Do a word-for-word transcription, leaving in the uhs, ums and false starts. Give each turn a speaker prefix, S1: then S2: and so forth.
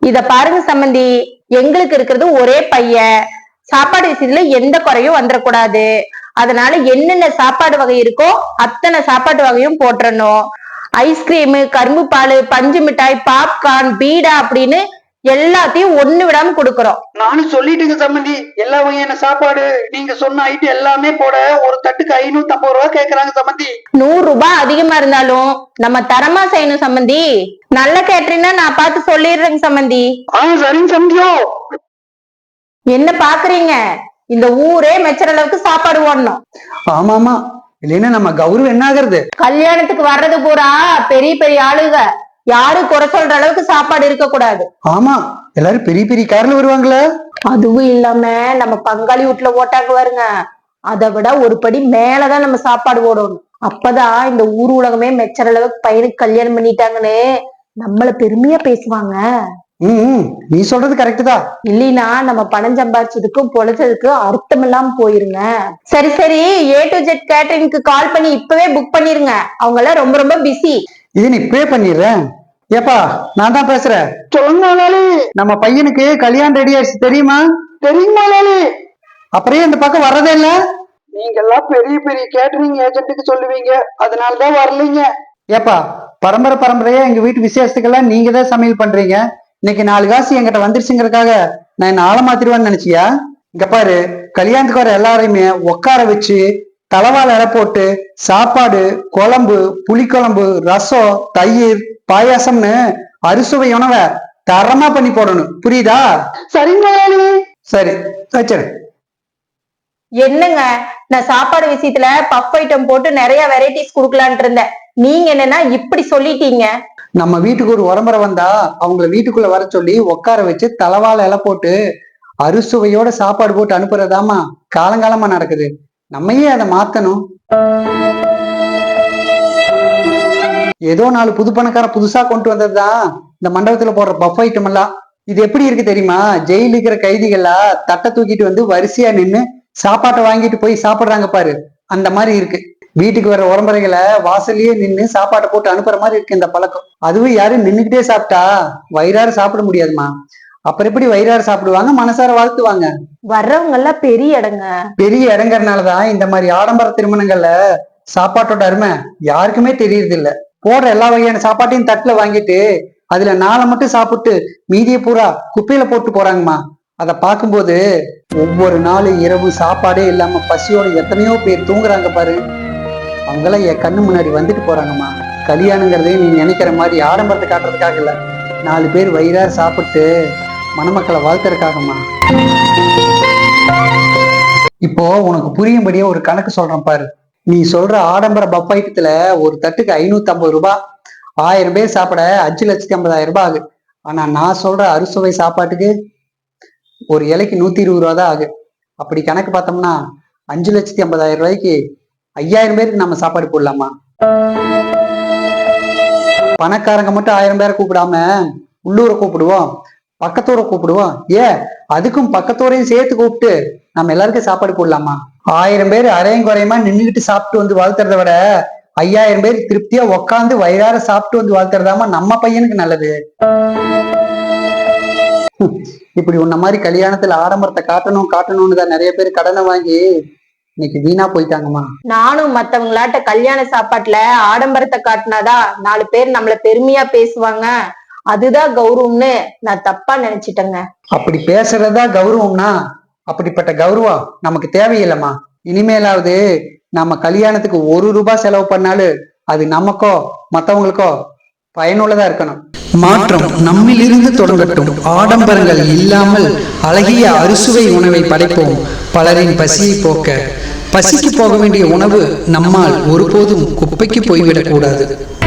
S1: இத பாருங்க சம்பந்தி, எங்களுக்கு இருக்கிறது ஒரே பையன். சாப்பாடு விஷயத்துல எந்த குறையும் வந்துடக்கூடாது. அதனால என்னென்ன சாப்பாடு வகை இருக்கோ அத்தனை சாப்பாட்டு வகையும் போட்டுறணும். ஐஸ்கிரீமு, கரும்பு பால், பஞ்சு மிட்டாய், பாப்கார்ன், பீடா அப்படின்னு எல்லாத்தையும் ஒண்ணு விடாம கொடுக்கறோம்.
S2: நானும் சொல்லிட்டுங்க சம்பந்தி, எல்லா வகையான சாப்பாடு நீங்க சொன்ன ஐட்டம் எல்லாமே போட ஒரு தட்டுக்கு ஐநூத்தி ஐம்பது ரூபாய் கேக்குறாங்க சம்பந்தி.
S1: நூறு ரூபாய் அதிகமா இருந்தாலும் நம்ம தரமா செய்யணும் சம்பந்தி. நல்ல கேட்டரிங்னா நான் பார்த்து சொல்லிடுறேங்க சம்பந்தி.
S2: ஆஹ் சரிங்க சம்பந்தியோ.
S1: என்ன பாக்குறீங்க? இந்த ஊரே மெச்சற அளவுக்கு சாப்பாடு ஓடணும்.
S2: ஆமா ஆமா, இல்லைன்னா நம்ம கௌரவம் என்ன ஆகுறது?
S1: கல்யாணத்துக்கு வர்றது பூரா பெரிய பெரிய ஆளுக, யாரும் குறை சொல்ற அளவுக்கு சாப்பாடு இருக்க கூடாது.
S2: ஆமா, எல்லாரும் பெரிய பெரிய கார்ல வருவாங்களே.
S1: அதுவும் இல்லாம நம்ம பங்காளி வீட்டுல ஓட்டாக்கு வருங்க, அதை விட ஒரு படி மேலதான் நம்ம சாப்பாடு ஓடணும். அப்பதான் இந்த ஊர் உலகமே மெச்சற அளவுக்கு பையனுக்கு கல்யாணம் பண்ணிட்டாங்கன்னு நம்மள பெருமையா பேசுவாங்க.
S2: உம் நீ சொல்றது கரெக்ட் தான்.
S1: இல்லைன்னா நம்ம பணம் சம்பாதிச்சதுக்கும் பொழைச்சதுக்கும் அர்த்தம் இல்லாம போயிருங்க. சரி சரி, ஏ டு ஜெட் கேட்டரிங்க்கு கால் பண்ணி இப்பவே புக் பண்ணிருங்க. அவங்க எல்லாம் ரொம்ப ரொம்ப பிஸி.
S2: இது நீ பே பண்ணிடுறேன். ஏப்பா, நான் தான் பேசுறேன். சொல்லுங்க முதலாளி. நம்ம பையனுக்கு கல்யாணம் ரெடி ஆயிடுச்சு, தெரியுமா? தெரியுமா முதலாளி? அப்புறம் இந்த பக்கம் வர்றதே இல்ல. நீங்க எல்லாம் பெரிய பெரிய கேட்டரிங் ஏஜென்ட்டுக்கு சொல்லுவீங்க, அதனாலதான் வரலீங்க. ஏப்பா, பரம்பரை பரம்பரையா எங்க வீட்டு விசேஷத்துக்கெல்லாம் நீங்க தான் சமையல் பண்றீங்க. இன்னைக்கு நாலு காசு என்கிட்ட வந்துருச்சுங்கிறதுக்காக நான் என்ன ஆழ மாத்திருவான்னு நினைச்சியா? இங்க பாரு, கல்யாணத்துக்கு வர எல்லாரையுமே உட்கார வச்சு தலவாழ இலை போட்டு சாப்பாடு, குழம்பு, புளிக்குழம்பு, ரசம், தயிர், பாயாசம்னு அறுசுவை உணவை தரமா பண்ணி போடணும், புரியுதா? சரிங்க. சரி வச்சிரு.
S1: என்னங்க, நான் சாப்பாடு விஷயத்துல பஃப் ஐட்டம் போட்டு நிறைய வெரைட்டிஸ் குடுக்கலான் இருந்தேன். நீங்க என்னன்னா இப்படி சொல்லிட்டீங்க.
S2: நம்ம வீட்டுக்கு ஒரு உரம்பரை வந்தா அவங்கள வீட்டுக்குள்ள வர சொல்லி உட்கார வச்சு தலவாழ இலை போட்டு அறுசுவையோட சாப்பாடு போட்டு அனுப்புறதாமா காலங்காலமா நடக்குது. நம்மையே அதை மாத்தணும். ஏதோ நாலு புது பணக்கார புதுசா கொண்டு வந்ததுதான் இந்த மண்டபத்துல போடுற பஃப் ஐட்டம் எல்லாம். இது எப்படி இருக்கு தெரியுமா? ஜெயில இருக்கிற கைதிகளா தட்டை தூக்கிட்டு வந்து வரிசையா நின்னு சாப்பாட்டை வாங்கிட்டு போய் சாப்பிடுறாங்க பாரு, அந்த மாதிரி இருக்கு. வீட்டுக்கு வர உரம்பரைகளை வாசல்லயே நின்று சாப்பாட்டை போட்டு அனுப்புற மாதிரி இருக்கு இந்த பழக்கம். அதுவும் யாரும் நின்னுக்கிட்டே சாப்பிட்டா வயிறாறு சாப்பிட முடியாதுமா. அப்புறம் எப்படி வயிறாறு சாப்பிடுவாங்க, மனசார வாழ்த்துவாங்க?
S1: வர்றவங்க எல்லாம் பெரிய இடங்க.
S2: பெரிய இடங்கிறதுனாலதான் இந்த மாதிரி ஆடம்பர திருமணங்கள்ல சாப்பாட்டோட அருமை யாருக்குமே தெரியறது இல்ல. போடுற எல்லா வகையான சாப்பாட்டையும் தட்டுல வாங்கிட்டு அதுல நாளை மட்டும் சாப்பிட்டு மீதிய பூரா குப்பையில போட்டு போறாங்கம்மா. அதை பார்க்கும்போது ஒவ்வொரு நாள் இரவு சாப்பாடே இல்லாம பசியோட எத்தனையோ பேர் தூங்குறாங்க பாரு. அவங்கெல்லாம் என் கண்ணு முன்னாடி வந்துட்டு போறாங்கம்மா. கல்யாணங்கிறதே நீ நினைக்கிற மாதிரி ஆடம்பரத்தை காட்டுறதுக்காக இல்ல, நாலு பேர் வயிறார சாப்பிட்டு மணமக்களை வாழ்த்துறதுக்காகம்மா. இப்போ உனக்கு புரியும்படியே ஒரு கணக்கு சொல்றேன் பாரு. நீ சொல்ற ஆடம்பர பஃப் ஐட்டத்துல ஒரு தட்டுக்கு ஐநூத்தி ஐம்பது ரூபாய், ஆயிரம் பேர் சாப்பிட அஞ்சு லட்சத்தி ஐம்பதாயிரம் ரூபாய் ஆகு. ஆனா நான் சொல்ற அறுசுவை சாப்பாட்டுக்கு ஒரு இலைக்கு நூத்தி இருபது ரூபா தான் ஆகு. அப்படி கணக்கு பார்த்தோம்னா அஞ்சு லட்சத்தி ஐம்பதாயிரம் ரூபாய்க்கு ஐயாயிரம் பேருக்கு நம்ம சாப்பாடு போடலாமா? பணக்காரங்க மட்டும் ஆயிரம் பேரை கூப்பிடாம உள்ளூரை கூப்பிடுவோம், பக்கத்தூரை கூப்பிடுவோம். ஏன் அதுக்கும் பக்கத்தூரையும் சேர்த்து கூப்பிட்டு நம்ம எல்லாருக்கும் சாப்பாடு போடலாமா? ஆயிரம் பேர் அரையும் குறையுமா நின்றுகிட்டு சாப்பிட்டு வந்து வாழ்த்துறத விட ஐயாயிரம் பேர் திருப்தியா உக்காந்து வயிறார சாப்பிட்டு வந்து வாழ்த்துறதாமா நம்ம பையனுக்கு நல்லது. இப்படி உன்ன மாதிரி கல்யாணத்துல ஆடம்பரத்தை காட்டணும் காட்டணும்னு தான் நிறைய பேர் கடனை வாங்கி இன்னைக்கு வீணா போயிட்டாங்கம்மா.
S1: நானும் மத்தவங்களாட்ட கல்யாண சாப்பாட்டுல ஆடம்பரத்தை காட்டினாதான் நாலு பேர் நம்மள பெருமையா பேசுவாங்க, அதுதான் கௌரவம்னு நான் தப்பா நினைச்சிட்டேங்க.
S2: அப்படி பேசுறதா கௌரவம்னா அப்படிப்பட்ட கௌரவம் நமக்கு தேவையில்லைம்மா. இனிமேலாவது நம்ம கல்யாணத்துக்கு ஒரு ரூபாய் செலவு பண்ணாலும் அது நமக்கோ மற்றவங்களுக்கோ பயனுள்ளதா இருக்கணும்.
S3: மாற்றம் நம்மிலிருந்து தொடங்கட்டும். ஆடம்பரங்கள் இல்லாமல் அழகிய அறுசுவை உணவை படைப்போம், பலரின் பசியை போக்க. பசிக்கு போக வேண்டிய உணவு நம்மால் ஒருபோதும் குப்பைக்கு போய்விடக்கூடாது.